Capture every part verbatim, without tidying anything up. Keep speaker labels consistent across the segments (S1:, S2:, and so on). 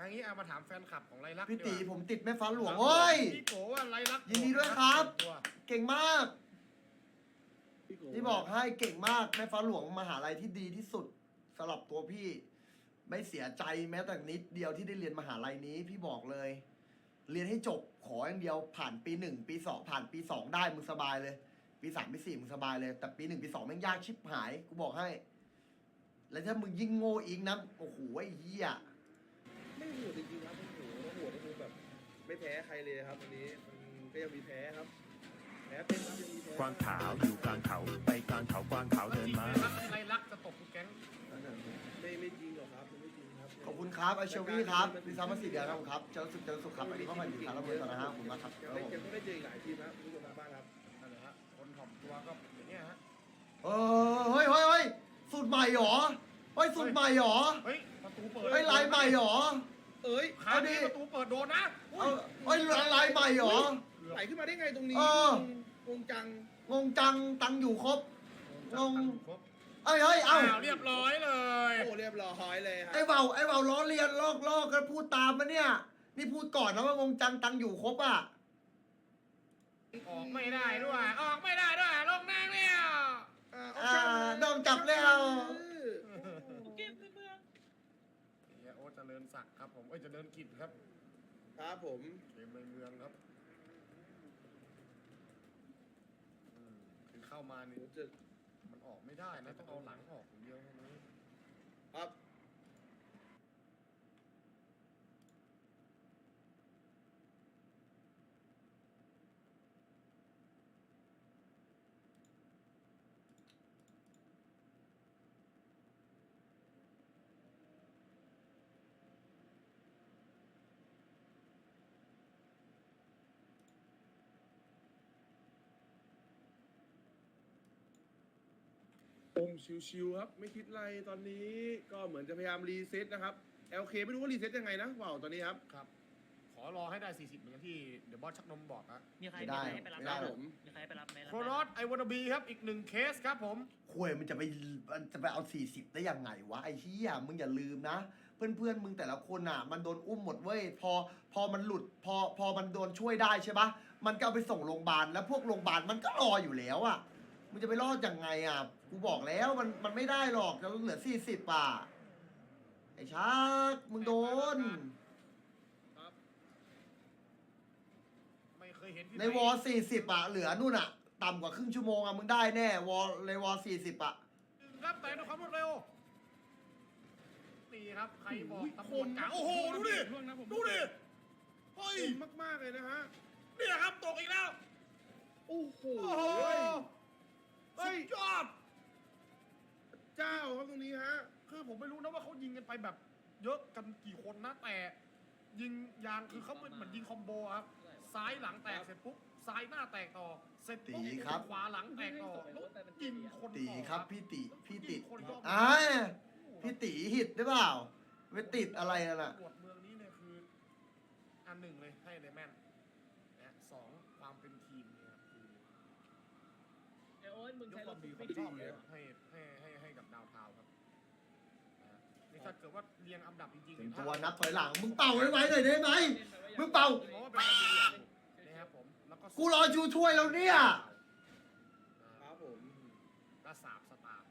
S1: อันนี้เอามาถามแฟนคลับของไรลักษณ์
S2: พี่ตี
S1: ดีกว่า
S2: ผมติดแม่ฟ้าหลวงโอ้ย
S1: พี่โกว่าไรลักษณ์
S2: ยินดีด้วยครับ เก่งมากที่บอกให้เก่งมากแม่ฟ้าหลวงมหาลัยที่ดีที่สุดสำหรับตัวพี่ ไม่เสียใจแม้แต่นิดเดียวที่ได้เรียนมหาลัยนี้พี่บอกเลย เรียนให้จบขออย่างเดียวผ่านปีหนึ่งปีสองผ่านปีสองได้มึงสบายเลย ปีสามปีสี่มึงสบายเลย แต่ปีหนึ่งปีสองแม่งยากชิบหายกูบอกให้ แล้วถ้ามึงยิ่งโง่อีกนะโอ้โหไอ้เหี้ย
S3: ไม่โหดจริงๆครับโอ้โหแล้วโหดก็คือแบบไม่แพ้ใครเลยครับวันนี้มันก็ยังมีแพ้ครับแพ้เป็นครับยังมีแพ้
S4: กวางขาวอยู่กลางเขาไปกลางเขากวางขาวเดินมา
S1: ไรลักษณ์จะตกทุกแก๊ง
S3: ไม่ไม่จริงหรอกครับไม่จริงครับ
S2: ขอบคุณครับไอเชลวี่ครับดิซามาสิเดียครับครับเจริญสุขเจริญสุขครับอันนี้เข้ามาอยู่สารเมืองต่อนะฮะขอบคุณมากครับ
S3: ยังได้ยังได้เจออีกหลายทีมนะคุณผู้ชมทางบ้านครับ
S1: นั่นแหละฮะคนถ่อมตัวก็อย่างเงี้ยฮะ
S2: เออเฮ้ยเฮ้ยเฮ้ยสูตรใหม่หรอเฮ้ยสูตรใหม่หรอ
S1: เฮ้ยประตูเปิด
S2: เฮ้ยลายใหม่หรอ
S3: เอ้ย
S1: คราวนี้ประตูเปิดโดนนะ
S2: เออเฮ้ยลายใหม่หรอ
S3: ไหลขึ้นมาได้ไงตรงนี้
S2: เออ
S3: งงจัง
S2: งงจังตังอยู่ครบ งง
S1: ครบ
S2: เอ้ยเฮ้ยเอ้า
S1: อ้าวเรียบร้อยเลย
S3: โอ้เรียบร้อยเลยครั
S2: ไอ้เบาไอ้เบาล้อเลียนลอกลอกกันพูดตามมาเนี่ยนี่พูดก่อนนะว่างงจังตังอยู่ครบอ่ะ
S1: ออกไม่ได้ด้วยออกไม่ได้ด้วยลงนางเนี่ย
S3: อ่า
S2: อ่าโดนจับแล้ว
S5: เกมในเมือง
S1: เฮียโอ๊ตเจริญศักดิ์ครับผมเอ้ยเจริญกิจครับ
S3: ครับผม
S1: เกมในเมืองครับอืมคือเข้ามานี่
S3: จะ
S1: มันออกไม่ได้นะต้องเอาหลังออกอย่างเดียวเท่านั้น
S3: ครับ องชิวๆครับไม่คิดอะไรตอนนี้ก็เหมือนจะพยายามรีเซ็ตนะครับ แอล เค ไม่รู้ว่ารีเซ็ตยังไงนะว้าวตอนนี้ครับ
S1: ครับ ขอรอให้ได้สี่สิบเหมือนที่เดี๋ยวบอสชักนมบอกนะ
S5: มีใคร
S2: ไม่ได้
S5: มีใครให้ไปรับ
S2: ไม่ได้
S5: ไห
S2: หรอก
S5: มีใครให้ไปรับไหม
S1: โครอสไอวอนบีครับอีกหนึ่งเคสครับผม
S2: คุยมันจะไปมันจะไปเอาสี่สิบได้ยังไงวะไอ้เหี้ยมึงอย่าลืมนะ เพื่อนเพื่อนๆมึงแต่ละคนอ่ะ มันโดนอุ้มหมดเว้ยพอพอมันหลุด พอพอมันโดนช่วยได้ใช่ปะมันก็เอาไปส่งโรงพยาบาลแล้วพวกโรงพยาบาลมันก็รออยู่แล้วอ่ะมึงจะไปรอดยังไงอ่ะกูบอกแล้วมันมันไม่ได้หรอกจะเหลือสี่สิบอ่ะไอ้ชักมึงโดน
S3: ครับ
S1: ไม่เคยเห็นที่
S2: ในวอสี่สิบอ่ะเหลือนู่นอ่ะ ต่ำกว่าครึ่งชั่วโมงอ่ะมึงได้แน่วอในวอสี่สิบอ่ะ
S1: รับแต่ด้วยความรวดเร็วนี่ครับใครบอก
S3: อุ้ย
S1: ตำรวจกลาง
S3: คม
S1: โอ้โหดูดิดูดิเฮ้ย
S3: คมมากๆเลยนะฮะ
S1: นี่ครับตกอีกแล้ว
S3: โอ้โห
S1: โอ้โห
S3: เฮ้
S1: สุ
S3: ย
S1: ดยอด
S3: เจ้าครับตรงนี้ฮะ
S1: คือผมไม่รู้นะว่าเขายิงกันไปแบบ เยอะกันกี่คนนะ แต่ยิงยางคือเขาเป็นเหมือนยิงคอมโบครับซ้ายหลังแตกเสร็จปุ๊บซ้ายหน้าแตกต่อเสร็จปุ๊บ
S2: ตีครับ
S1: ขวาหลังแตกต่อแล้วยิงคน
S2: ตี
S1: ต่อ
S2: ครับพี่ติพี่ติ
S1: คนรอบ
S2: อ่าพี่ติหิตหรือเปล่าไปติดอะไรนั่นน่ะ
S1: ตำรวจเมืองนี้เนี่ยคืออันหนึ่งเลยให้เลยแม่นนะสองความเป็นทีมเนี่ยครับคือ
S5: ไอโอ๊ตมึง
S1: ยก
S5: ใช้
S1: ค
S5: ร
S1: วา
S5: ถ
S1: มดี
S5: ดี
S1: ความชอบเลยให้ให้ให้ให้กับดาวเทาวน์ครับนะนี่ถ้าเกิดว่าเรียงอันดับจริงๆ
S2: เป็น
S1: ถ้า
S2: ตัวนับถอยหลังมึงเป่าไว้ไว้หน่อยได้ไหมมึงเป่า
S1: ผมว่าเป็นอันดีอย่างหนึ่งนะครับผมแล้วก็
S2: กูรอชูช่วยแล้วเนี่ย
S3: ครับผม
S1: ก็สามสตาร์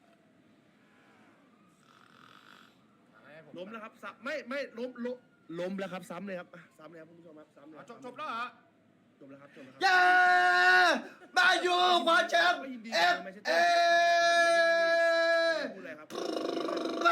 S1: ให้ผม
S3: ล้มแล้วครับซ้ำไม่ไม่ล้มล้มล้มแล้วครับซ้ำเลยครับอ่ะซ้ำเลยครับคุณผู้ชมครับซ้ำเลย
S1: อ่ะ
S3: ครับ
S1: จบจบแล้วเหรอ
S3: จบแล้วครับจบแล้วครั
S2: เย้มาอยู่คว้าแชมป์เอฟเอ
S3: พูดอะไรครับ
S2: มา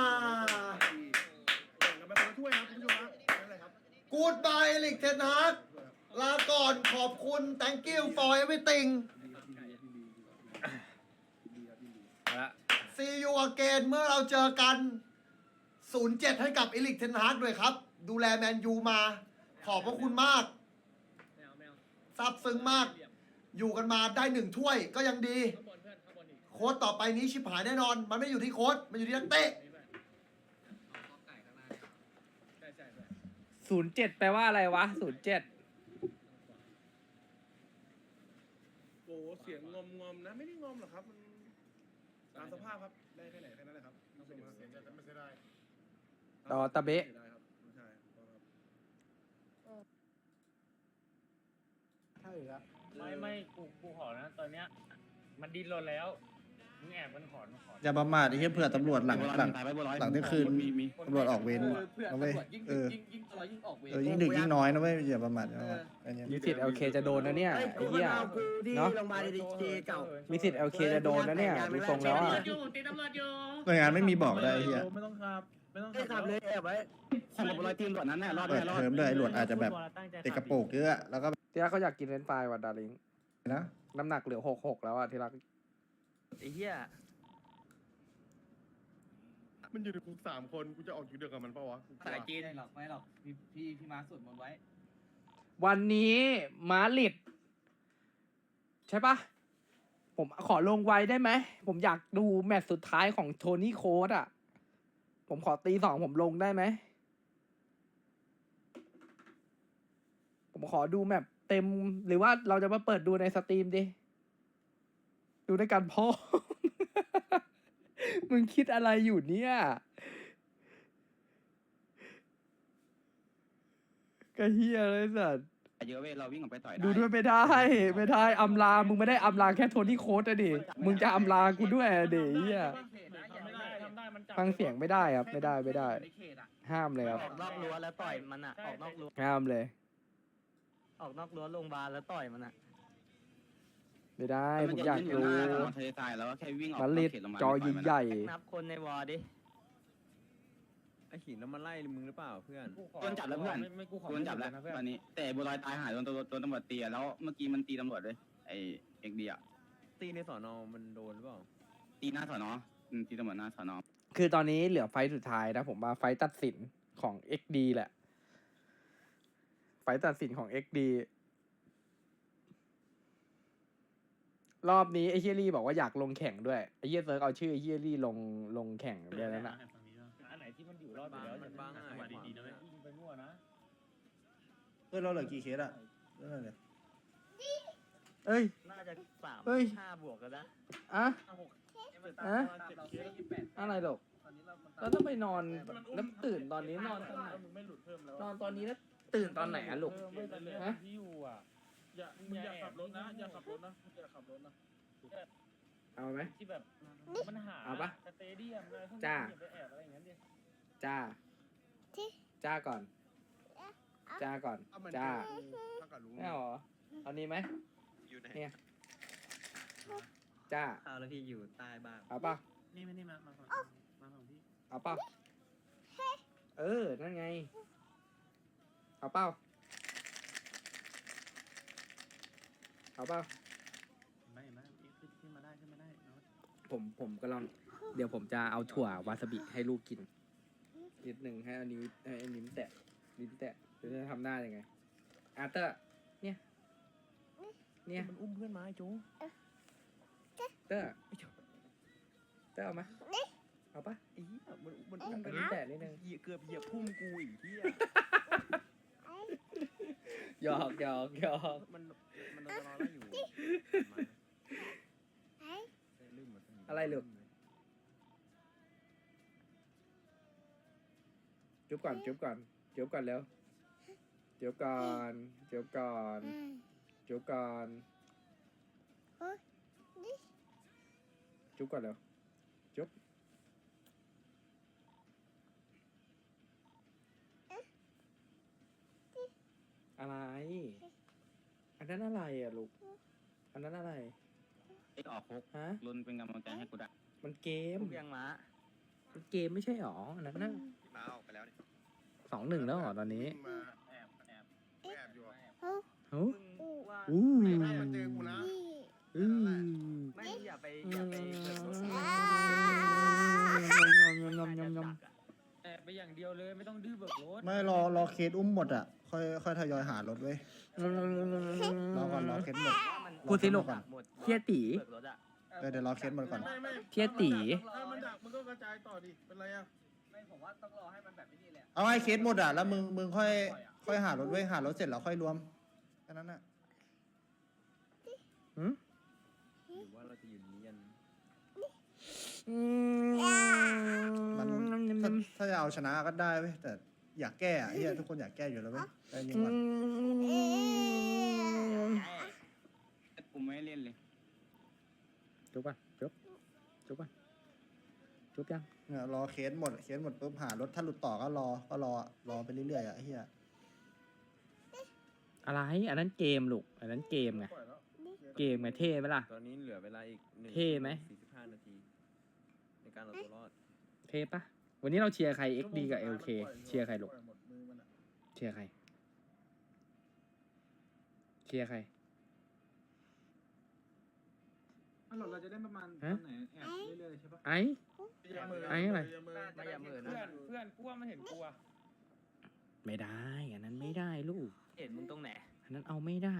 S3: แข่งกันไปคนละถ้วยครับคุณผู้ชมครับนั่นแหละครับ
S2: กูดบายลิกเทนฮากลาก่อนขอบคุณ thank you for everything
S3: ดีครับดีครับดีดีครับดี
S2: see you again เมื่อเราเจอกัน ศูนย์เจ็ด ให้กับเอลิกเทนฮากด้วยครับ ดูแลแมนยูมา ขอบพระคุณมาก
S5: แมวแมว
S2: ซาบซึ้งมาก อยู่กันมาได้หนึ่งถ้วย ก็ยังดี
S5: ข้างบนเพื่อนข้างบนอีก
S2: โค้ดต่อไปนี้ชิบหายแน่นอน มันไม่อยู่ที่โค้ดมันอยู่ที่นักเตะ
S5: นี่เพื่อนใช่ใช่เพื่อน
S6: ศูนย์เจ็ดแปลว่าอะไรวะศูนย์เจ็ด
S3: โอ้เสียงงอมงอมนะไม่ได้งอมหรอกครับมันตามสภาพครับได้แค่ไหนแค่นั้นแหละครับคุณผู้ชมครับ
S1: เสียใจแต่ไม่เสียดาย
S6: ต่อตะเบะ
S3: ได้ครับ
S1: อ
S7: ไม่ไม่กูกูขอนะตอนเนี้ยมันดิ้นรนแล้วมึงแอบมันขอนขอ
S8: อย่าประมาทไอ้เหี้ยเผื่อตำรวจหลังหลังหลังเที่ยงคืนตำรวจออกเวร
S5: เพื่อ
S8: นะเว้ย
S5: ตำรวจยิ่ง
S8: เอ
S5: ดึก
S8: อ
S5: ยิ่งยิ่งตลอดยิ่งออกเวร
S8: เออยิ่งดึกยิ่งน้อยนะเว้ยอย่าประมาทอย่าประมาทไอ้เนี่ย
S6: มีสิทธิ์ แอล เค จะโดนนะเนี่ย
S9: เฮ้ย
S6: ไอ้
S9: กู
S6: เหี้ย
S9: เอากูที่
S6: เนาะ
S9: โรงพยาบาลดีเจเก่า
S6: มีสิทธิ์ แอล เค จะโดนนะเนี่ยดูทรงแล้วอ่ะ
S5: อยู่ตีตำรวจอยู่
S8: หน่วยงานไม่มีบอกได้ไอ้เหี้ย
S7: ไม่ต้องครับไม่ต้อง
S9: ไม่ขับเลยแอบไว้
S7: ขับรถทีมตรวจนั้นแน่รอด
S8: เปิดเทอมด้วยไอ้หลวดอาจจะแบบติดกระโปรงเยอะแล้วก็
S6: ที่รักเขาอยากกินเฟรนช์ฟรายว่ะดาริง
S8: นะ
S6: น้ำหนักเหลือหกหกแล้วอ่ะที่รัก
S9: ไอ้เหี้ย
S1: มันอยู่ในคุกสามคนกูจะออกอยู่เดียวกับมันปะวะ
S5: สายจีนหรอกไม่หรอกพี่พี่พี่มาสวดมนต์ไว้
S6: วันนี้มาลิดใช่ปะผมขอลงไว้ได้ไหม ผมอยากดูแมตช์สุดท้ายของโทนี่โค้ดอ่ะ ผมขอตีสองผมลงได้ไหม ผมขอดูแมปเต็มหรือว่าเราจะมาเปิดดูในสตรีมดิ ดูด้วยกันพ่อ มึงคิดอะไรอยู่เนี่ยกะเฮียเลยสัตว์
S7: เยอะเว้ยเราวิ่งออกไปต่อย
S6: ดูด้วยไม่ได้ไม่ได้อำลา มึงไม่ได้อำลาแค่โทนี่โค้ดอะดิ มึงจะอำลากูด้วยอะดิเฮีย
S7: ทำไม่ได้ทำได้มันจับ
S6: ฟังเสียงไม่ได้ครับไม่ได้ไม่ได้
S5: ในเขตอ่ะ
S6: ห้ามเลยครับ
S9: ออกนอกรั้วแล้วต่อยมันอ่ะ ออกนอกรั้ว
S6: ห้ามเลย
S9: ออกนอกรั้วโรงพยาบาลแล้วต่อยมันอ่ะ
S6: ไม่ได้ผมอยากดู
S7: ทะเลทรายแล้วแค่วิ่งออก
S6: มาลิดจอใหญ่
S9: นับคนในวอร์ดิ
S10: ไอ้หินแล้วมันไล่มึงหรือเปล่าเพื่อน
S7: โดนจับแล้วเพื่อนโดนจับแล้วตอนนี้แต่บัวลอยตายหายโดนโดนโดนตำรวจตีแล้วเมื่อกี้มันตีตำรวจด้วยไอเอ็กดีอะ
S10: ตีในสอนอมันโดนหรือเปล่า
S7: ตีหน้าสอนอตีตำรวจหน้าสอนอ
S6: ๆคือตอนนี้เหลือไฟต์สุดท้ายนะผมว่าไฟต์ตัดสินของ เอ็ก ดี แหละ ไฟต์ตัดสินของ เอ็ก ดี รอบนี้ไอ้เฮียรี่บอกว่าอยากลงแข่งด้วยไอ้เฮียเซิร์กเอาชื่อไอ้เฮียรี่ลงลงแข่งด้วยแล้วนะ
S7: อันไหนที่มันอยู่รอดอยู่แล้ว
S10: มันบ้างอ่ะ
S7: จังหวะดีๆนะเว้ยยิงไปมั่วนะ
S8: เออเราเหลือกี่เคสอะเรื่องอะไรเนี่ย
S6: เอ้ย
S9: น่าจะสาม
S6: เฮ้ย
S9: ห้าบวกกันนะ
S6: อะ
S5: หก
S6: อะ
S5: เราแค่ยี่สิบแปด
S6: อะไรหรอก
S5: ตอนนี้เรา
S6: แล้วต้องไปนอนแล้วตื่นตอนนี้นอนตอนไหน
S7: มึงไม่หลุดเพิ่มแล้ว
S6: นอนตอนนี้แล้วตื่นตอนไหนอะลูก
S7: ไม่แต่เรื่อง
S6: ฮะ
S7: ที่อยู่อ่ะอย่ามึงอย่าขับรถนะอย่าขับรถนะอย่าขับรถนะ
S6: เอาไหม
S7: ที่แบบมันหา
S6: เอาปะ
S7: สเตเดียมอะไรพวกนี้
S6: จ้า
S7: อย่าไปแอบอะไรอย่างนั้นดิ
S6: จ้า จ้าก่อน จ้าก่อน
S1: เอามัน
S6: จ้า
S1: ถ้ากับลุง
S6: ไม่เอาเหรอเอานี้ไหม
S10: อยู่ไหน
S6: เนี่ย จ้า
S9: เอาแล้วพี่อยู่ใต้บ้าน
S6: เอาเปล่า
S7: นี่ไม่นี่มามาฝั่งมาฝั่งพี่
S6: เอาเปล่าเออ นั่นไง เอาเปล่าเอาเปล่า
S7: ไม่ไม่ขึ้นขึ้นมาได้ขึ้นมาได้เนาะ
S6: ผมผมกำลัง เดี๋ยวผมจะเอาถั่ววาซาบิให้ลูกกิน นิดหนึ่งให้อันนี้ให้อันนิ้มแตะลิ้นแตะจะทำหน้ายังไงอาร์เตอร์ เนี่ย เนี่ย
S10: มันอุ้มเพื่อนมาไอ้โจ
S6: เตอร์เตอร์เอามาเอาปะ
S10: ไอ้เหี้ยมันมัน
S6: เอา
S10: อุ้มกัน
S6: ลิ้นแตะนิดนึง
S10: เหยียบเกือบเหยียบพุ่มกูอีกเหี้ย
S6: หยอกหยอกหยอก
S10: มันมันโดนรอไล่อยู่ลืมหมด
S6: อะไรลูกจุ๊บก่อนจุ๊บก่อนจุ๊บก่อนแล้วจุ๊บก่อนจุ๊บก่อนจุ๊บก่อนจุ๊บก่อนแล้วจุ๊บอะไร อันนั้นอะไรอ่ะลูก อันนั้นอะไร
S7: เอ็กออกคุก
S6: ฮะ
S7: รุนเป็นกำลังใจให้กูได้
S6: มันเกม
S9: ทุกยังม้า
S6: มันเกมไม่ใช่หรอ อันนั้นน่ะ
S10: มาออกไปแล้วนี่
S6: สองหนึ่งแล้วเหรอตอนนี้
S1: มา
S5: แอบแอบ
S1: แอบอยู่อะ
S6: โอ้
S9: มึงว่า
S6: อู้
S1: ไม่ได้มาเจอกูนะ
S6: อู้
S9: ไม่อย่าไปอย่าไปเปิดรถ
S6: ยำยำยำยำยำ
S7: แอบไปอย่างเดียวเลยไม่ต้องดื้อเบิกรถ
S8: ไม่รอรอเคสอุ้มหมดอ่ะ ค่อยค่อยทยอยหารถเว้ยรอก่อนรอเคสหมด
S6: พูดสิลูก
S8: ก่อน
S9: หมด
S6: เทียตี
S9: เปิดรถอ่ะ
S8: เออเดี๋ยวรอเคสหมดก่อน
S1: ไม่ไม่
S6: เทียตี
S1: ถ้ามันดักมันก็กระจายต่อดิเป็นไรอ่ะ
S5: ไม่ผมว่าต้องรอให้มันแบบนี้แหละ
S8: เอาไอ้เคสหมดอ่ะแล้วมึงมึงค่อยค่อยหารถเว้ยหารถเสร็จแล้วค่อยรวมแค่นั้นน่ะ
S6: หืม
S10: หรือว่าเราจะอยู่นี้ยัน
S8: มันถ้าถ้าจะเอาชนะก็ได้เว้ยแต่อยากแก้อะไอ้เหี้ยทุกคนอยากแก้อยู่แล้วเว้ยใจเย็นก่อน
S9: แก้
S7: คุมไม่ให้เล่นเลย
S6: จุบป่ะจุบจุบป่ะจุบยัง
S8: เนี่ยรอเคสหมดเคสหมดปุ๊บหารถถ้าหลุดต่อก็รอก็รอรอไปเรื่อยๆอ่ะไอ้เหี้ย
S6: อะไรอันนั้นเกมลูกอันนั้นเกมไง
S1: ปล่อยแล้ว
S6: เกมไงเท่ไหมล่ะ
S10: ตอนนี้เหลือเวลาอีกหนึ่ง
S6: เท่ไหม
S10: สี่สิบห้านาที ในการเอาตัวรอด
S6: เท่ปะวันนี้เราเชียร์ใคร เอ็กซ์ ดี กับ เอล เค เชียร์ใครลูก
S1: ปล่อยหมดมือมันอะ
S6: เชียร์ใครเชียร์ใคร
S5: เราจะเล่นประมาณ
S6: ฮะ
S5: ไหนแอบเรื่อยๆใช่ปะ
S6: ไอ้
S1: อย่ามือ
S6: ไอ้อะไร
S1: อย่ามือ
S5: ไม่อย่ามือนะ
S9: เพื่อนเพื่อนกลัวมันเห็นกลัว
S6: ไม่ได้อันนั้นไม่ได้ลูก
S9: เห็นมึงตรงไหน
S6: อันนั้นเอาไม่ได้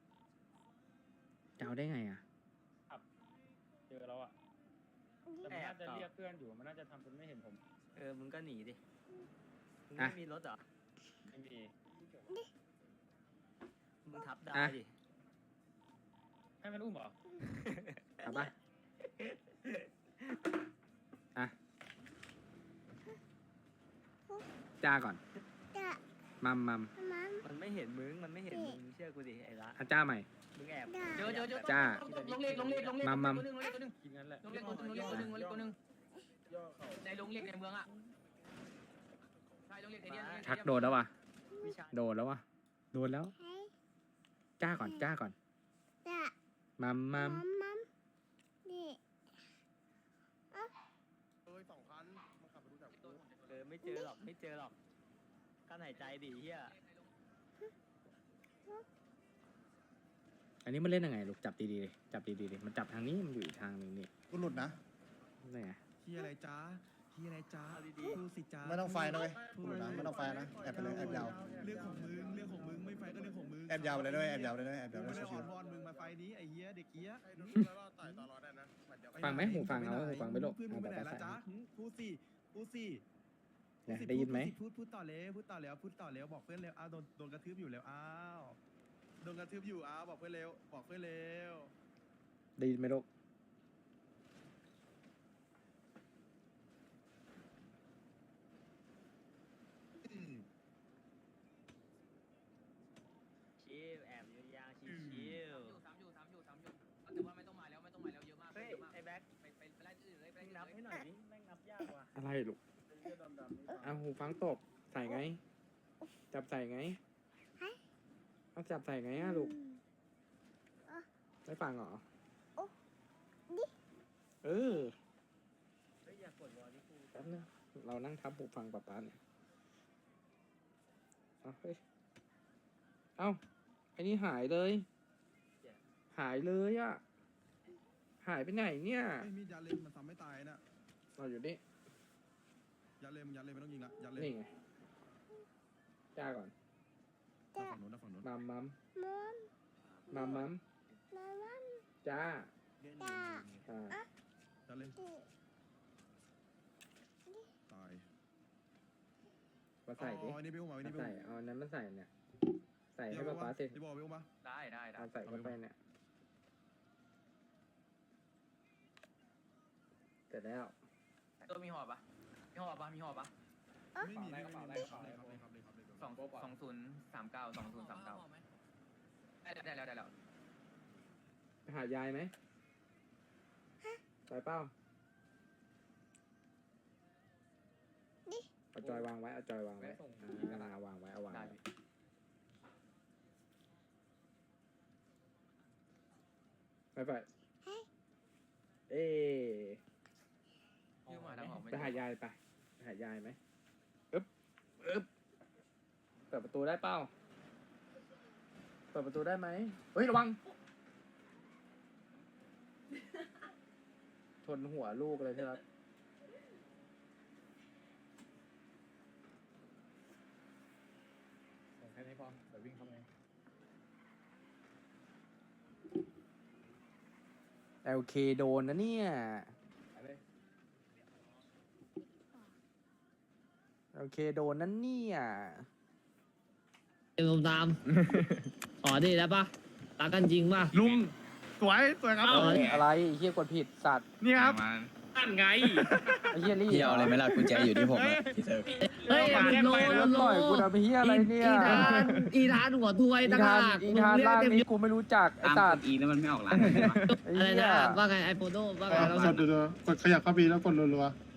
S6: จะเอาได้ไงอ่ะ
S9: เจอแล้วอ่ะแต่มันน่าจะเรียกเพื่อนอยู่มันน่าจะทำเป็นไม่เห็นผม
S5: เออมึงก็หนีดิมึง
S6: อ่ะ
S5: ไม่มีรถเหรอ
S9: ไม่มี
S5: มึงทับได้
S6: อ่ะ
S5: ดิ
S9: ให้มันอุ้มเหรอ
S6: เอาปะอ่ะจ้าก่อนมัมมัม
S5: มันไม่เห็นมึงมันไม่เห็นมึงเชื่อกูดิไอ้ละ
S6: อาจ้าใหม่
S5: มึงแอบเจอเจอเจอ
S6: จ้า
S5: ลงเรียกลงเรียกลงเรียก
S6: มัมมัม
S5: ตัวนึงลงเรียกตัวนึง
S9: กินงั้นแหละ
S5: ลงเรียกตัวนึงลงเรียกตัวนึงลงเรียกตัวนึง
S1: ย่อเข่า
S5: ในลงเรียกในเมืองอ่ะใช่ลงเรียกไอ้เนี่ย
S6: ชักโดนแล้ววะ
S5: วิชา
S6: โดนแล้ววะโดนแล้ว จ้าก่อนจ้าก่อนมัมมัม
S1: เอ้ยสองคันมันขับไปรู้จักกู
S5: เออไม่เจอหรอกไม่เจอหรอกกั้นหายใจดิเฮีย
S6: อันนี้มันเล่นยังไงลูกจับดีๆเลยจับดีๆเลยมันจับทางนี้มันอยู่อีกทางหนึ่งนี่
S8: กูหลุดนะ
S6: นี่ไง
S10: เฮียอะไรจ้าเฮียอะไรจ้า
S5: เอาดี
S10: พูดสิจ้า
S8: ไม่ต้องไฟนะเว้ยกูหลุดนะไม่ต้องไฟนะแอบไปเลยแอบยาว
S10: เรื่องของมึง เรื่องของมึง ไม่ไฟก็เรื่องของมึง
S8: แอบยาวไปเลยด้วยแอบยาวไปเลยด้วยแอบยาวไป
S10: ไม่
S8: เลย
S10: ได้อ่
S8: ชิ
S10: อ
S8: วน
S10: วอนมึงมาไฟนี้ไอ้เหี้ยเด็กเหี้ย
S1: ไอ้ดูแล้วเราต่อยต่อรอได้นะบัดเดี๋ยว
S6: ฟังไหมหูฟังเอาหูฟังไม่ลูก
S10: เพื่อนมึ
S6: เอา
S10: งไป
S6: แบบ
S10: ไหน
S6: ภา
S10: ละ
S6: ษา
S10: จ้าหึพูดสิพูดสิ
S6: เนี่ยได้ยินไหม
S10: พูดพูดต่อเลยพูดต่อแล้วพูดต่อแล้วบอกเพื่อนเร็วอ้าวโดนโดนกระทืบอยู่แล้วอ้าวโดนกระทืบอยู่อ้าวบอกเพื่อนเร็วบอกเพื่อนเร็ว
S6: ได้ยินไหมลูก
S5: ชิลแอบยาวๆชิลๆสามอยู่สามอยู่สามอยู่แต่ว่าไม่ต้องมาแล้วไม่ต้องมาแล้วเยอะมากเฮ้ยไอ้แบ็คไปไปไปไล่ที่อื่นเลยไปไล่ที่อื่น
S9: นับ
S5: เลย
S9: ให้หน่อยดิแม่งนับยากว่ะ
S6: อะไรลูก
S1: เสื้อดำๆนี่
S6: เอาหูฟังตกใส่ไง จับใส่ไงเอาจับใส่ไงอะลูกไม่ฟังเหรอเออ
S5: เฮ้ยอยากกดวอลที่กู
S6: แป๊บนึงเรานั่งทับหูฟังป๊าป๊าเนี่ยเอาเฮ้ยเอ้าไอ้นี่หายเลย หายเลยอะหายไปไหนเนี่ย
S10: ไอ้มีดยัดเลยมันทำไม่ตายนะ
S6: เราอยู่นี่
S10: ยัดเลยมันยัดเลยไม่ต้องยิงละยัดเลย
S6: นี่ไงจ้าก่อน
S10: ดักฝั่งนู้นดักฝั่งนู้น
S6: มัมมัมมัมมัมจ้าอ่า
S10: ยัดเลยตาย
S6: มาใส่ดิ
S10: อ๋ออันนี้ไปอุ้มมาอัน
S6: มา
S10: นี้ไป
S6: ใส่
S10: อุ้ม
S6: เอาอันนั้นมาใส่เนี่ย ใส่ให้ป๊าป๊าสิ
S10: ที่บอกไปอุ้มปะ
S5: ได้ได้ได้
S6: เอาใส่เข้าไปเนี่ยเสร็จแล้ว
S5: ตัวมีหอบปะมีหอบปะมีหอบปะ
S10: ไม่มีไม่มีไม่มีครับเลยครับเลยครับเลยครับเลย
S5: สองสองศูนย์สามเก้าสองศูนย์สามเก้าได้ได้แล้วได้แล้ว
S6: ไปหายายไหมไปเป้าเอาจอยวางไว้เอาจอยวางไว้อ่าวางไว้เอาวางไว้ไปไปเอ๊
S5: ชื่อหมาทั้งหอบไม่
S6: ไปหายายไปไปหายายไหมอึ๊บอึ๊บเปิดประตูได้เป้าเปิดประตูได้ไหมเฮ้ยระวังชนหัวลูกเลยใช่ไหมส่งแค่นี้พอเดี๋ยววิ่งเข้าไปโอเคโดนนะเนี่ยโอเคโดนนั่นเนี่ย
S9: เอ็มตาม ขอดีแล้วปะรักกันจริงปะ
S1: ลุงสวยสวยครับ
S6: อะไรไอ้เฮียกดผิดสัตว์
S1: นี่ครับนั่นไง
S6: ไอ้เฮียรี่
S7: พี่เอาอะไรไหมล่ะกุญแจอยู่ที่ผมอะพี่เซิร์ฟ
S5: เฮ้ย
S1: เอามาแลกไป
S6: แล้วต่อยกูทำไอ้เฮียอะไรเนี่ย
S5: อีธานอีธานหัวถ้วย
S6: อี
S5: ต่าง
S6: ธาน
S5: หาก
S6: อีธานล่างนี้กูไม่รู้จักไอ้
S7: ตาม
S6: สั
S7: ก
S6: ต
S7: ด
S6: ว์
S7: อีแล้วมันไม่ออกร้าน
S6: ไอ้
S5: อะไร
S6: เหี้ย
S5: นะว่าไงไอโฟโต้ว่าไงเรา
S10: กดดูๆกดขยับเข้าปีแล้วกดรัวๆ